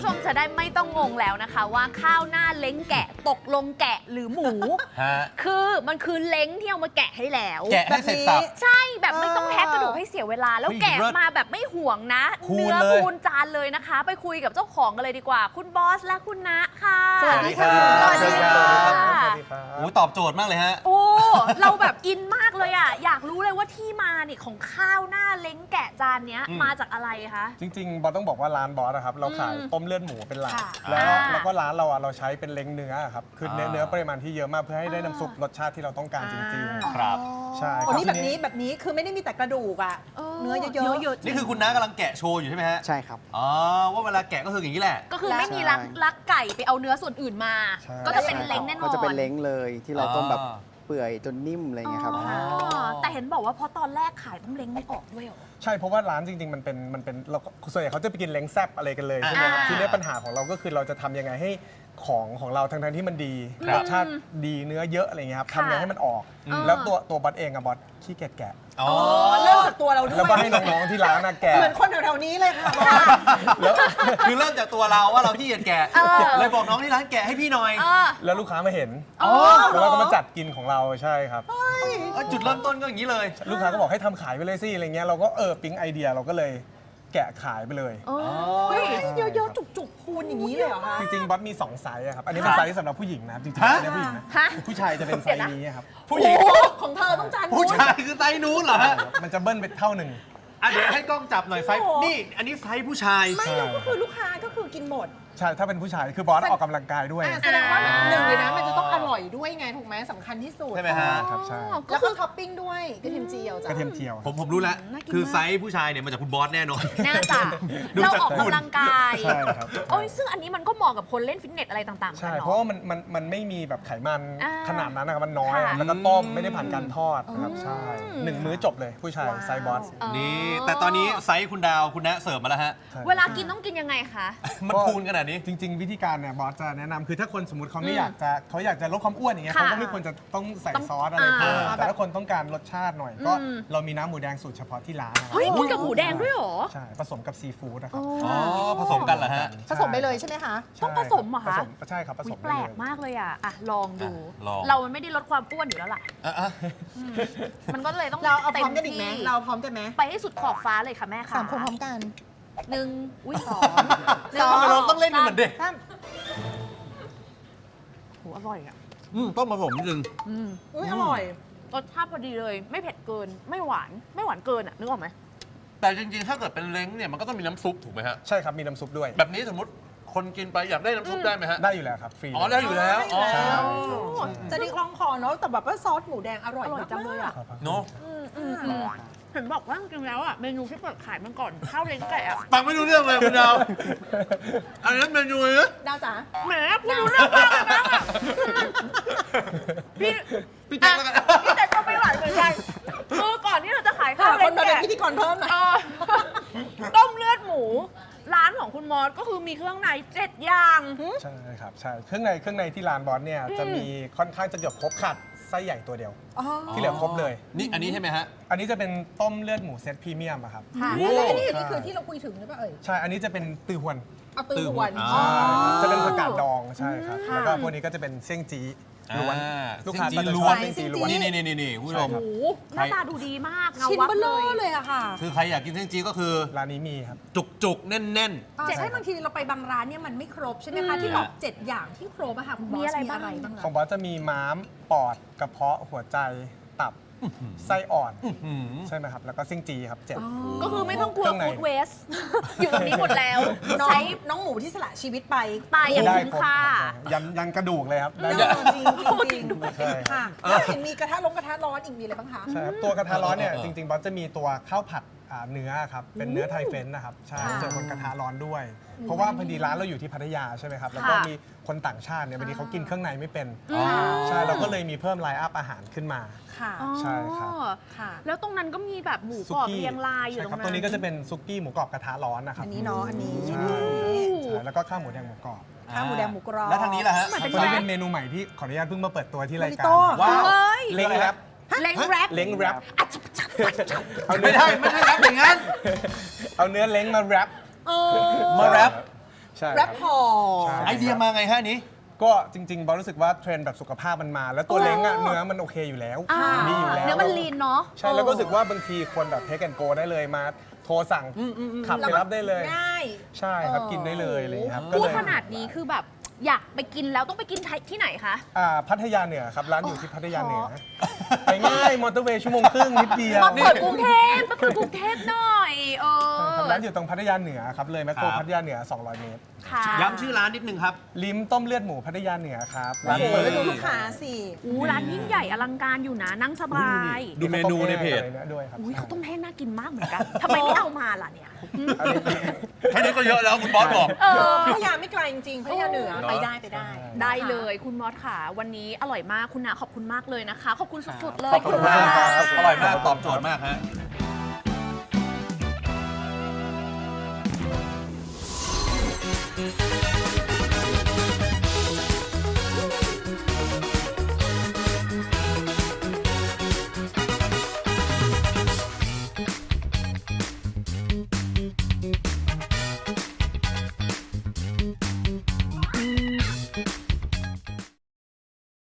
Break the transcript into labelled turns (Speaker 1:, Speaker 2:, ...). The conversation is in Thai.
Speaker 1: ผู้ชมจะได้ไม่ต้องงงแล้วนะคะว่าข้าวหน้าเล้งแกะตกลงแกะหรือหมูคือมันคือเล้งที่เอามาแกะให้แล้ว
Speaker 2: แกะให้เสร็จสับ
Speaker 1: ใช่แบบไม่ต้องแทะกระดูกให้เสียเวลาแล้วแกะมาแบบไม่ห่วงนะเนื้อคูณจานเลยนะคะไปคุยกับเจ้าของกันเลยดีกว่าคุณบอสและคุณณค่ะ
Speaker 2: สวัสดีครับ
Speaker 1: สวัสดีครับ
Speaker 2: โอ้ตอบโจทย์มากเลยฮะ
Speaker 1: โอ้เราแบบอินมากเลยอ่ะอยากรู้เลยว่าที่มาเนี่ยของข้าวหน้าเล้งแกะจานเนี้ยมาจากอะไรคะ
Speaker 3: จริงๆบอสต้องบอกว่าร้านบอสนะครับเราขายต้มเลือดหมูเป็นหลักแล้วก็ร้านเราใช้เป็นเล้งเนื้อครับคือเนื้อปริมาณที่เยอะมากเพื่อให้ได้น้ำซุปรสชาติที่เราต้องการจริงๆ
Speaker 2: ครับ
Speaker 3: ใช่
Speaker 4: ครับแบบนี้คือไม่ได้มีแต่กระดูกอ่ะเนื้อเยอะ
Speaker 2: ๆนี่คือคุณน้ากำลังแกะโชว์อยู่ใช่ไหมฮะ
Speaker 5: ใช่ครับ
Speaker 2: อ๋อว่าเวลาแกะก็คืออย่างนี้แหละ
Speaker 1: ก็คือไม่มีลักไก่ไปเอาเนื้อส่วนอื่นมาก็จะเป็นเล้งแน่นอน
Speaker 5: ก็จะเป็นเล้งเลยที่เราต้มแบบเปื่อยจนนิ่มอะไรเงี้ยครับ
Speaker 1: แต่เห็นบอกว่าพอตอนแรกขายต้องเล้งไม่ออกด้วยเหรอ
Speaker 3: ใช่เพราะว่าร้านจริงๆมันเป็นเราส่วนใหญ่เขาจะไปกินเล้งแซ่บอะไรกันเลยใช่ไหมครับทีนี้ปัญหาของเราก็คือเราจะทำยังไงให้ของเราทั้งที่มันดีรสชาติดีเนื้อเยอะอะไรเงี้ยครับทำยังไงให้มันออกแล้วตัวบอสเองบอสขี้เกียจแกะ
Speaker 4: เริ่มจากตัวเราด้วย
Speaker 3: แล้วก็ให้น้องๆที่ร้านแกะ
Speaker 4: เหมือนคนแถวๆนี้เลยค่ะ
Speaker 2: แล้วคือเริ่มจากตัวเราว่าเราขี้เกียจแกะเลยบอกน้องที่ร้านแกะให้พี่หน่อย
Speaker 3: แล้วลูกค้ามาเห็นแล้วเราก็มาจัดกินของเราใช่ครับ
Speaker 2: จุดเริ่มต้นก็อย่างนี้เลย
Speaker 3: ลูกค้าก็บอกให้ทำขายไปเลยสิอะไรเงี้ยเราก็ปิ๊งไอเดียเราก็เลยแกะขายไปเลย
Speaker 4: เยอะๆจุกๆคูณอย่างนี้เลยเหรอคะ
Speaker 3: จริงๆบอสมี2ไซส์ครับอันนี้เป็นไซส์สำหรับผู้หญิงนะจริงๆอันนี้ผู้หญิงนะผู้ชายจะเป็นไซส์นี้ครับ
Speaker 2: ผู้หญิง
Speaker 4: ของเธอต้องจาน
Speaker 2: ผู้ชายคือไซส์นู้นเหรอฮะ
Speaker 3: มันจะเบิ้ลไปเท่าหนึ่ง
Speaker 2: เดี๋ยวให้กล้องจับหน่อยไซส์นี่อันนี้ไซส์ผู้ชาย
Speaker 4: ไม่เราก็คือลูกค้าก็คือกินหมด
Speaker 3: ใช่ถ้าเป็นผู้ชายคือบอสออกกำลังกายด้วย
Speaker 4: แสดงว่าหนึ่งเลยนะมันจะต้องอร่อยด้วยไงถูกไหมสำคัญที่สุด
Speaker 2: ใช่ไหมฮะ
Speaker 3: ครับใช่
Speaker 4: แล้วก็ท็อปปิ้งด้วยกระเทียมเจียวจ้ะ
Speaker 3: กระเทียมเจียว
Speaker 2: ผมรู้แล้วคือไซส์ผู้ชายเนี่ยมาจากคุณบอสแน่นอน
Speaker 1: น่าจะเราออกกำลังกาย
Speaker 3: ใช่ครับ
Speaker 1: โอ้ยซึ่งอันนี้มันก็เหมาะกับคนเล่นฟิตเนสอะไรต่างๆ
Speaker 3: ใช่เพราะว่ามันไม่มีแบบไขมันขนาดนั้นนะครับมันน้อยแล้วก็ต้มไม่ได้ผ่านการทอดนะครับใช่1 มื้อจบเลยผู้ชายไซส์บอส
Speaker 2: นี่แต่ตอนนี้ไซส์คุณดาวคุณณเสิร์ฟมาแล้วฮะ
Speaker 1: เวลากินต้องกินยังไงคะ
Speaker 2: มันคูณขนาดนี้
Speaker 3: จริงๆวิธีการเนี่ยบอสจะแนะนำคือถ้าคนสมมติเขาอยากจะลดความอ้วนอย่างเงี้ยเขาก็ไม่ควรจะต้องใส่ซอสอะไรเพิ่มแต่ถ้าคนต้องการรสชาติหน่อยก็เรามีน้ำหมูแดงสูตรเฉพาะที่ร้าน
Speaker 1: เฮ้ยมีกับหมูแดงด้วยเหรอ
Speaker 3: ใช่ผสมกับซีฟู้ดนะครับ
Speaker 2: ผสมกันเหรอฮะ
Speaker 4: ผสมไปเลยใช่ไหมคะ
Speaker 1: ต้องผสมเหรอคะ
Speaker 3: ใช่ครับผสม
Speaker 1: แปลกมากเลยอ่ะลองดูเรามันไม่ได้ลดความอ้วนอยู่แล้วล่ะมันก็เลยต้อง
Speaker 4: เราเอาพร้อมกันอีกไหมเราพร้อมกันไหม
Speaker 1: ไปให้สุดขอบฟ้าเลยค่ะแม่ค่ะ
Speaker 4: 3 คนพร้อมกัน
Speaker 1: 1 อุ้ย 2
Speaker 2: ทำไมเราต้องเล่นเหมือนเด็ก
Speaker 1: โหอร่อยอ่ะ
Speaker 2: ต้องผสมนิดนึง
Speaker 4: อร่อย
Speaker 1: รสชาติพอดีเลยไม่เผ็ดเกินไม่หวานเกินอ่ะนึกออกไหม
Speaker 2: แต่จริงๆถ้าเกิดเป็นเล้งเนี่ยมันก็ต้องมีน้ำซุปถูกไหมฮะ
Speaker 3: ใช่ครับมีน้ำซุปด้วย
Speaker 2: แบบนี้สมมติคนกินไปอยากได้น้ำซุปได้ไหมฮะ
Speaker 3: ได้อยู่แล้วครับฟรี
Speaker 2: ได้อยู่แล้ว
Speaker 4: จะได้คล่องคอเนาะแต่แบบว่าซอสหมูแดงอร่อยจังเลยอ่ะ
Speaker 2: เนาะ
Speaker 1: เห็นบอกว่าจริงๆแล้วอ่ะเมนูที่เปิดขายมาก่อนข้าวเล้งแกะ
Speaker 2: ฟังไม่รู้เรื่องเลยคุณดาวอันนี้เมนูเลย
Speaker 4: ดาวจ๋า
Speaker 1: แหมคุณรู้เรื่องมากเลยนะ
Speaker 2: พี่แจ็คแล้วกัน
Speaker 1: พี่แจ็คก็ไม่ไหวเหมือนกันคือก่อนที่เราจะขายข้าวเล้งแกะ
Speaker 4: พิธีกรเพิ่มหน่อย
Speaker 1: ต้มเลือดหมูร้านของคุณมอสก็คือมีเครื่องใน7 อย่าง
Speaker 3: ใช่ครับใช่เครื่องในที่ร้านบอสเนี่ยจะมีค่อนข้างจะเกือบครบขัดไส้ใหญ่ตัวเดียวที่เหลือครบเลย
Speaker 2: นี่อันนี้ใช่ไหมฮะ
Speaker 3: อันนี้จะเป็นต้มเลือดหมูเซตพรีเมียมครับ
Speaker 4: นี่คือที่เราคุยถึงหรือเปล่า
Speaker 3: ใช่อันนี้จะเป็นตือหวน
Speaker 4: ตือหวน
Speaker 3: จะเป็นผักกาดดองใช่ครับแล้วก็พวกนี้ก็จะเป็นเสี่ยงจี้ล้วนลูกค้าจะ
Speaker 2: ล้วน
Speaker 3: เสี่ยงจี้ล้วน
Speaker 2: นี่คุณผู้ชม
Speaker 1: หน้าตาดูดีมาก
Speaker 4: ชิ้นเบลอเลยอะค่ะ
Speaker 2: คือใครอยากกินเสี่ยงจี้ก็คือ
Speaker 3: ร้านนี้มีครับ
Speaker 2: จุกแน่น
Speaker 4: ๆใช่บางทีเราไปบางร้านเนี่ยมันไม่ครบใช่ไหมคะที่บอก7 อย่างที่ครบอะค่ะคุณบอสมีอะไรบ้าง
Speaker 3: ของบอสจะมีม้ามปอดกระเพาะหัวใจตับไส้อ่อนใช่ไหมครับแล้วก็เสี่ยงจี้ครับ7
Speaker 1: ก็คือไม่ต้องกลัวฟู้ดเวสอยู่ตรงนี้หมดแล้ว
Speaker 4: ใช้น้องหมูที่สละชีวิตไป
Speaker 1: ตายอย่างคุ้มค่า
Speaker 3: ยันกระดูกเลยครับ
Speaker 4: จริงค่ะเห็นมีกระทะร้อนอีกมีอะไรบ้างคะ
Speaker 3: ใช่ครับตัวกระทะร้อนเนี่ยจริงๆบอสจะมีตัวข้าวผัดเนื้อครับเป็นเนื้อไทยเฟ้นนะครับใช่เจอบนกระทะร้อนด้วยเพราะว่าพอดีร้านเราอยู่ที่พัทยาใช่ไหมครับแล้วก็มีคนต่างชาติเนี่ยบางทีเขากินเครื่องในไม่เป็นใช่เราก็เลยมีเพิ่มไลน์อัพอาหารขึ้นมาใช่ครับ
Speaker 1: แล้วตรงนั้นก็มีแบบหมูกรอบเรียงรายอยู่ตรงนั้น
Speaker 3: ตัวนี้ก็จะเป็นซุกี้หมูกรอบกระทะร้อนนะครับ
Speaker 4: อันนี้เนาะอันนี้
Speaker 3: แล้วก็ข้าวหมูแดงหมูกรอบ
Speaker 4: ข้าวหมูแดงหมูกรอบ
Speaker 2: แล้วทางนี้ล่ะฮะ
Speaker 3: ตัวนี้เป็นเมนูใหม่ที่ขออนุญาตเพิ่งมาเปิดตัวที่รายการ
Speaker 2: ว้าว
Speaker 3: เล้งแรป
Speaker 1: เล้งแรป
Speaker 2: ไม่ได้แรปอย่างนั้น
Speaker 3: เอาเนื้อเล้งมาแรป
Speaker 2: มาแรป
Speaker 3: ใช่ครับ
Speaker 4: แรปพอ
Speaker 3: ใช่
Speaker 2: ไอเดียมาไงฮะอันนี้
Speaker 3: ก็จริงๆบอสรู้สึกว่าเทรนด์แบบสุขภาพมันมา แล้วตัวเล้งอะเนื้อมันโอเคอยู่แล้ว
Speaker 1: อ่า
Speaker 3: ดีอยู่แล้ว
Speaker 1: เนื้อมันลีนเนาะ
Speaker 3: ใช่แล้วก็รู้สึกว่าบางทีควรแบบเทคแอนโกได้เลยมาโทรสั่งขับไปรับได้เลย
Speaker 4: ง่าย
Speaker 3: ใช่ครับกินได้เลยอะไรอย่างเงี้ยครับก็
Speaker 1: พูด
Speaker 3: เลย
Speaker 1: ขนาดนี้คือแบบอยากไปกินแล้วต้องไปกินที่ไหนคะ
Speaker 3: พัทยาเหนือครับร้านอยู่ที่พัทยาเหนือไปง่ายมอเตอร์เวย์ชั่วโมงครึ่งนิดเดียว
Speaker 1: มาเปิดกรุงเทพมาเปิดกรุงเทพหน่อย
Speaker 3: ครับร้านอยู่ตรงพัทยาเหนือครับเลยแมคโคร
Speaker 2: ครับ
Speaker 3: พัทยาเหนือ 200 เมตร
Speaker 1: ค่ะ
Speaker 2: ย้ำชื่อร้านนิดนึงครับ
Speaker 3: ลิ้มต้มเลือดหมูพัทยาเหนือครับร้าน
Speaker 2: นี่
Speaker 3: เปิด
Speaker 4: แล้วดูลูกค้าสิ
Speaker 1: อู้ร้านยิ่งใหญ่อลังการอยู่นะนั่งสบาย
Speaker 2: ดูเมนูในเพจ
Speaker 3: อะไรนี่ยด้วยครับ
Speaker 1: อุ้ยเขาวต้มแห้งน่ากินมากเหมือนกันทำไมไม่เอามาล่ะเนี่ย
Speaker 3: อันนี้
Speaker 2: แค่นี้ก็เยอะแล้วคุณบอสบอก
Speaker 4: พัทยาไม่ไกลจริงๆพัทยาเหนือ
Speaker 2: เนอะ
Speaker 4: ไปได้ไปได้
Speaker 1: ได้เลยคุณมอสค่ะ วันนี้อร่อยมากคุณนาขอบคุณมากเลยนะคะ ขอบคุณสุดๆเลย
Speaker 2: ขอบคุณมาก
Speaker 1: ค่ะ
Speaker 2: ครับอร่อยมากตอบโจทย์มากฮะ